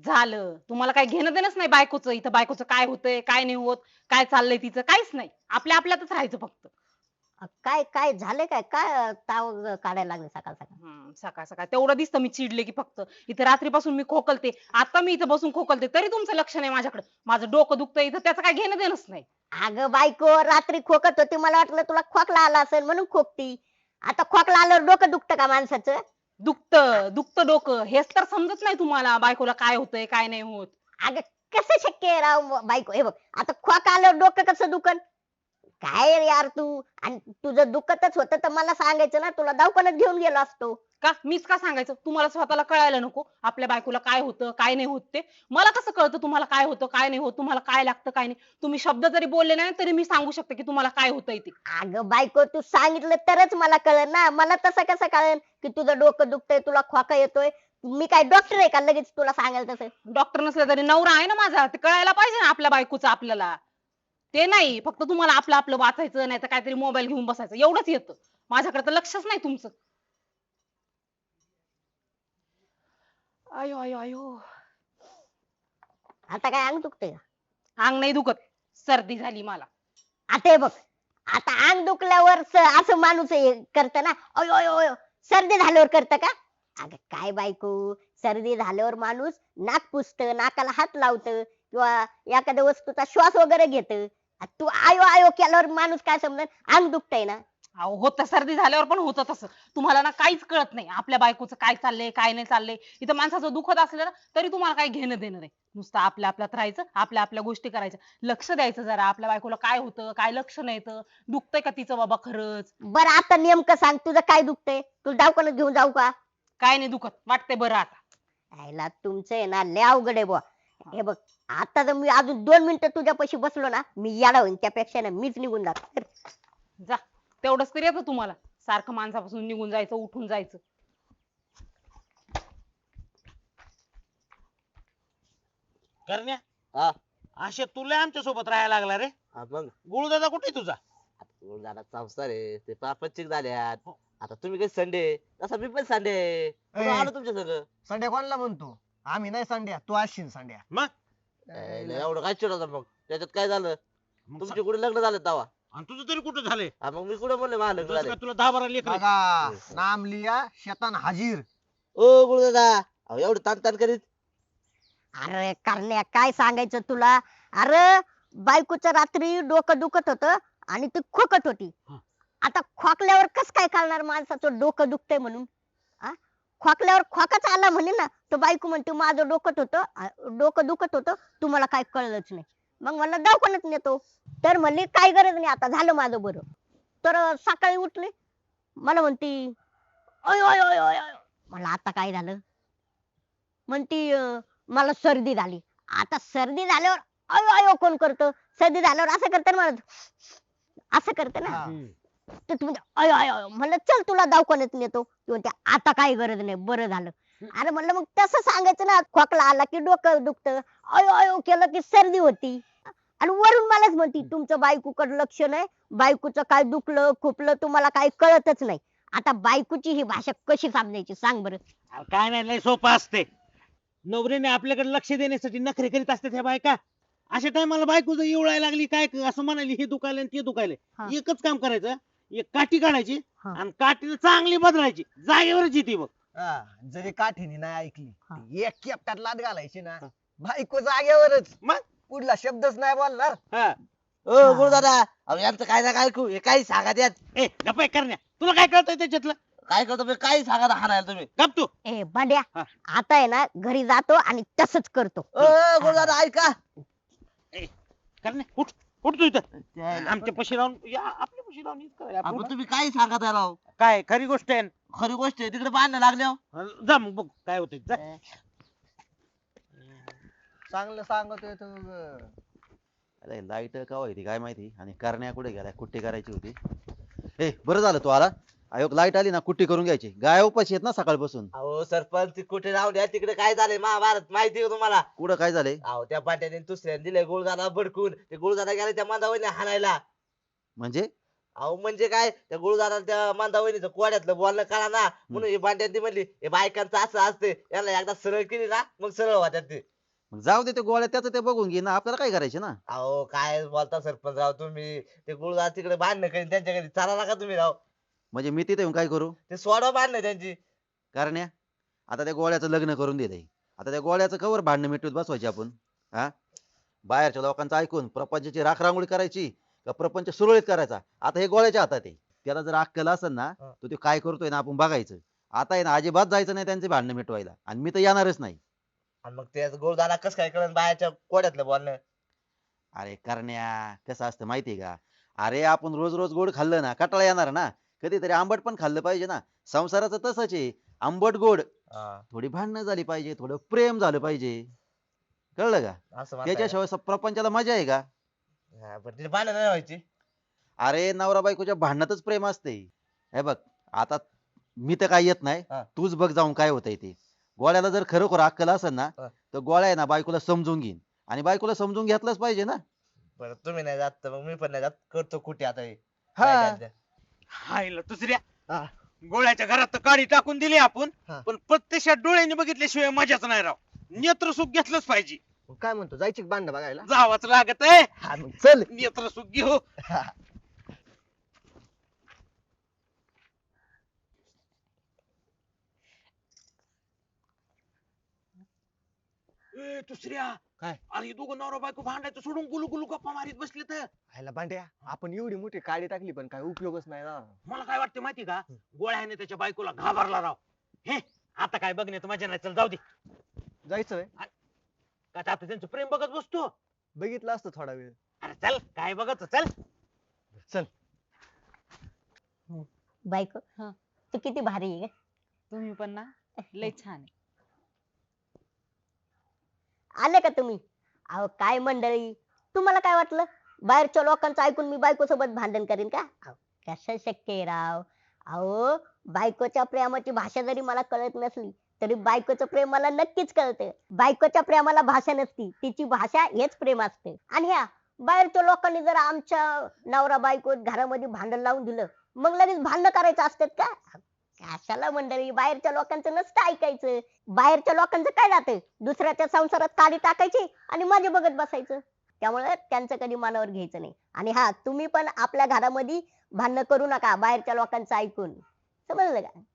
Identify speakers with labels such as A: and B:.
A: झालं. तुम्हाला काही घेणं देणंच नाही बायकोचं. इथं बायकोचं काय होतंय, काय नाही होत, काय चाललंय तिचं काहीच नाही. आपल्या आपल्यातच राहायचं फक्त.
B: काय काय झाले काय काय ताव काढायला लागले सकाळ सकाळ.
A: सकाळ सकाळ तेवढं दिसतं मी चिडले की फक्त. इथं रात्रीपासून मी खोकलते. आता मी इथं बसून खोकलते तरी तुमचं लक्ष नाही माझ्याकडे. माझं डोकं दुखतंय इथं त्याचं काही घेणं देणंच नाही.
B: अगं बायको रात्री खोकत होती मला वाटलं तुला खोकला आला असेल म्हणून खोकती. आता खोकला आल्यावर डोकं दुखतं का माणसाचं?
A: दुखतं डोकं. हेच तर समजत नाही तुम्हाला बायकोला काय होतंय, काय नाही होत.
B: अगं कसं शक्य आहे राव बायको हे बघ आता खोक आल्यावर डोकं कसं दुखन? काय रे यार तू आणि तुझं दुखतच होतं तर मला सांगायचं ना तुला दवाखान्यात घेऊन गेलो असतो.
A: का मीच का सांगायचं तुम्हाला स्वतःला कळायला नको आपल्या बायकोला काय होतं काय नाही होत ते. मला कसं कळतं तुम्हाला काय होतं काय नाही होत, तुम्हाला काय लागतं काय नाही. तुम्ही शब्द जरी बोलले नाही तरी मी सांगू शकते की तुम्हाला काय होतंय ते.
B: अगं बायको तू सांगितलं तरच मला कळेल ना मला तसं कसं कळेल की तुझं डोकं दुखतंय तुला खोका येतोय. मी काय डॉक्टर आहे का लगेच तुला सांगायला तसं.
A: डॉक्टर नसला तरी नवरा आहे ना माझा, ते कळायला पाहिजे ना आपल्या बायकोचं आपल्याला. ते नाही फक्त तुम्हाला आपलं आपलं वाचायचं नाही तर काहीतरी मोबाईल घेऊन बसायचं एवढंच येतं. माझ्याकडे तर लक्षच नाही तुमचं. आयो आयो आयो.
B: आता काय अंग दुखतंय का?
A: अंग नाही दुखत, सर्दी झाली मला.
B: आता हे बघ आता अंग दुखल्यावर असं माणूस करत ना अयो अयो अयो सर्दी झाल्यावर करत का? अगं काय बायको सर्दी झाल्यावर माणूस नाक पुसत नाकाला हात लावत किंवा एखाद्या वस्तूचा श्वास वगैरे घेत. तू आयो आयो केल्यावर माणूस काय समजेल अंग दुखतंय ना.
A: अहो होतं सर्दी झाल्यावर पण होतं तसं. तुम्हाला ना काहीच कळत नाही आपल्या बायकोचं काय चाललंय काय नाही चाललंय. इथं माणसाचं दुखत असलं ना तरी तुम्हाला काही घेणं देणं नाही. नुसतं आपल्या आपल्यात राहायचं आपल्या आपल्या गोष्टी करायच्या. लक्ष द्यायचं जरा आपल्या बायकोला काय होतं काय लक्षण येतं. दुखतंय का तिचं बाबा खरंच.
B: बरं आता नेमकं सांग तुझं काय दुखतंय तुला दवाखान्यात घेऊन जाऊ का?
A: काय नाही दुखत वाटतंय बरं आता.
B: आयला तुमचं आहे ना लय अवघड आहे बुवा. हे बघ आता जर मी अजून 2 मिनिटं तुझ्यापाशी बसलो ना मी येडा होईन त्यापेक्षा ना मीच निघून जातो.
A: जा तेवढंच तरी येतं तुम्हाला. सारखं माणसापासून निघून जायचं उठून जायचं.
C: करण्या
D: हा
C: अशे तुला आमच्या सोबत राहायला लागला रे.
D: हा मग
C: गुळदादा कुठे तुझा?
D: जरा संसार आहे ते पापचिक झाल्यात. आता तुम्ही काही संडे तसा मी पण संडे आलो तुमच्या सगळं.
E: संड्या कोणाला म्हणतो आम्ही नाही संड्या तू असशील संड्या.
C: मग
D: एवढं काय चिडवता मग त्याच्यात काय झालं
C: मग
D: तुमचे कुठे लग्न झालं तवा
C: आणि तुझं तरी कुठं झालंय?
D: मग मी कुठे म्हणले मला लग्न
C: तुला
D: झाले.
C: काय तुला 10-12 लेकर आहेत?
E: बघा नाम लिया शैतान हाजीर.
D: ओ गुरुदादा अहो एवढं ताण ताण करीत
B: अरे करण्या काय सांगायचं तुला. अरे बायकोचं रात्री डोकं दुखत होत आणि ती खोकत होती.
C: हा.
B: आता खोकल्यावर कस काय कळणार माणसाचं डोकं दुखतंय म्हणून. आ? खोकल्यावर खोकाच आला म्हणे ना तर बायको म्हणते माझं डोकं दुखत होतं तुम्हाला काय कळलंच नाही. मग मला दवाखान्यात नेतो तर म्हणली काय गरज नाही आता झालं माझं बरं. तर सकाळी उठले मला म्हणती अय अय अय अय अय. मला आता काय झालं म्हणती मला सर्दी झाली. आता सर्दी झाल्यावर अयो अयो कोण करतं सर्दी झाल्यावर असं करतं ना असं करतं ना.
E: हा.
B: तर तू म्हणते अयो अयो अयो. म्हणलं चल तुला दवाखान्यात नेतो ती म्हणते आता काही गरज नाही बरं झालं. अरे म्हणलं मग तसं सांगायचं ना खोकला आला की डोकं दुखतं अयो अयो केलं की सर्दी होती. आणि वरून मलाच म्हणती तुमचं बायकोकडे लक्ष नाही बायकोचं काय दुखलं खुपलं तुम्हाला काही कळतच नाही. आता बायकोची ही भाषा कशी समजायची सांग बरं.
C: अरे काय नाही लय सोपं असते. नवरीने आपल्याकडे लक्ष देण्यासाठी नखरे करीत असते ह्या बायका. अशा टायमाला बायको जर येवळायला लागली काय असं म्हणाली हे दुखायलंय आणि ते दुखायलंय.
B: हा.
C: एकच काम करायचं एक काठी काढायची
B: हा.
C: आणि काठीने चांगली बदलायची जागेवरच येते बघ.
E: हा, जरी काठीने नाही
B: हा.
E: ऐकली एक केपटात लाद घालायची ना बायको जागेवरच
C: मग?
E: पुढला शब्दच नाही बोलणार.
C: हा.
D: ओ गुरुदादा अहो यांचं काय ना काय ऐकू हे काही सांगा त्यात
C: ए गप्प करण्या तुला काय कळतंय त्याच्यातलं?
D: काय करतो मी काही सांगा हाणायला तुम्ही.
C: गप तू.
B: ए बांड्या
C: हा.
B: आता आहे ना घरी जातो आणि तसंच करतो.
D: ओ गुरुदादा ऐका
C: करण्या उठ उठ तू इथं आमच्या पशी राहून या आपल्या पशी राहून हीच करायला आपण.
D: आपण तुम्ही काही सांगा त्याला राव.
C: काय खरी गोष्ट आहे.
D: खरी गोष्ट आहे तिकडे बांधणं लागले हो.
C: जा मग बघ काय होतंय जा.
E: चांगलं सांगतोय तू ग.
F: अरे लाईट का होती काय माहिती आणि करण्या कुठे गेलाय कुट्टी करायची होती. ए बरं झालं तू आला. अयोग लाईट आली ना कुट्टी करून घ्यायची गाय उपाशी आहेत ना सकाळपासून.
D: अहो सरपंच ती कुठे राहून द्या तिकडे काय झालंय महाभारत माहिती आहे का तुम्हाला.
F: कुठं काय झालंय
D: अहो त्या पाट्याने दुसऱ्याने दिले गुळदादा बडकून ते गुळदादा गेला त्या मांदावळीने हाणायला.
F: म्हणजे
D: अहो म्हणजे काय त्या गुळदादा त्या मांदावळीचं कोड्यातलं बोलणं कळा ना म्हणून ही बांड्यांनी म्हणली हे बायकांचं असं असते याला एकदा सरळ केली ना मग सरळ होत्यात ते.
F: मग जाऊ दे ते गोळ्या त्याचं ते बघून घे ना, आपल्याला काय करायचे ना.
D: अहो काय बोलता सरपंच राव तुम्ही, ते गुरुदास तिकडे भांडणं करीन त्यांच्या घरी, चाला का तुम्ही राव?
F: म्हणजे मी तिथे येऊन काय करू?
D: ते सोडवा भांडणं त्यांची.
F: कारण आता त्या गोळ्याचं लग्न करून दिलंय, आता त्या गोळ्याचं कवर भांडणं मिटवत बसवायची आपण? हा, बाहेरच्या लोकांचं ऐकून प्रपंचाची राखरांगोळी करायची का प्रपंच सुरळीत करायचा, आता हे गोळ्याच्या हातात आहे. त्याला जर अक्कल असेल ना, तर ते काय करतोय ना आपण बघायचं. आता आहे ना अजिबात जायचं नाही त्यांचे भांडणं मिटवायला, आणि मी तर येणारच नाही.
D: आणि मग ते गुरुदाला कसं काय कळण बायाच्या कोड्यातलं बोलणं?
F: अरे करण्या, कसं असतं माहितीये का, अरे आपण रोज रोज गोड खाल्लं ना कंटाळा येणार ना, कधीतरी आंबट पण खाल्लं पाहिजे ना. संसाराचं तसंच आहे, आंबट गोड.
D: हा,
F: थोडी भांडणं झाली पाहिजे, थोडं प्रेम झालं पाहिजे, कळलं का?
D: असं म्हणताय का?
F: त्याच्याशिवाय प्रपंचाला मजा आहे का?
D: हा, पण तिथे भांडणं नाही व्हायची.
F: अरे नवरा बायकोच्या भांडणातच प्रेम असते. हे बघ, आता मी तर काय येत नाही,
D: हा.
F: तूच बघ जाऊन काय होतंय ते. गोळ्याला जर खरोखर अक्कल असेल ना,
D: हा.
F: तर गोळ्या आहे ना बायकोला समजून घेईन, आणि बायकोला समजून घेतलंच पाहिजे ना.
D: बरं तुम्ही नाही जात तर मग मी पण नाही जात, करतो कुठे आता हे.
F: हा.
D: काय करायचं?
C: हायला दुसऱ्या
E: हा.
C: गोळ्याच्या घरात तर काडी टाकून दिली आपण,
E: हा.
C: पण प्रत्यक्षात डोळ्याने बघितल्याशिवाय मजाच नाही राव. नेत्रसुख घेतलंच पाहिजे.
E: मग काय म्हणतो, जायची भांडणं बघायला?
C: जावाच लागत आहे.
E: हा मग चल.
C: नेत्रसुख घेऊ. ए दुसऱ्या
E: काय?
C: अरे दोघं नवरा बायको भांडायचं सोडून गुलू गुलू गप्पा मारीत बसले तर.
E: आयला भांड्या, आपण एवढी मोठी काडी टाकली पण काय उपयोगच नाही ना.
C: मला काय वाटतं माहिती का, गोळ्याने त्याच्या बायकोला घाबरला राव. हे आता काय बघण्यात मजा नाही, चल जाऊ दे.
E: जायचं व्हय?
C: का आता त्यांचं प्रेम बघत बसतो.
E: बघितलं असतं थोडा वेळ.
C: अरे चल काय बघत चल.
E: चल.
B: बायको
A: हा.
B: तू किती भारी आहे ग.
A: तुम्ही पण ना लय छान आहे.
B: आले का तुम्ही? अहो काय मंडळी, तुम्हाला काय वाटलं बाहेरच्या लोकांचं ऐकून मी बायको सोबत भांडण करीन का? अहो, कसं शक्य आहे राव. अहो बायकोच्या प्रेमाची भाषा जरी मला कळत नसली तरी बायकोचं प्रेम मला नक्कीच कळतं. बायकोच्या प्रेमाला भाषा नसती, तिची भाषा हेच प्रेम असते. आणि ह्या बाहेरच्या लोकांनी जर आमच्या नवरा बायको घरामध्ये भांडण लावून दिलं, मग लगेच भांडण करायचं असतात का? कशाला मंडळी, बाहेरच्या लोकांचं नसतं ऐकायचं. बाहेरच्या लोकांचं काय जातं, दुसऱ्याच्या संसारात काडी टाकायची आणि माझे बघत बसायचं. त्यामुळे त्यांचं कधी मनावर घ्यायचं नाही. आणि हा, तुम्ही पण आपल्या घरामध्ये भांडण करू नका बाहेरच्या लोकांचं ऐकून, समजलं का?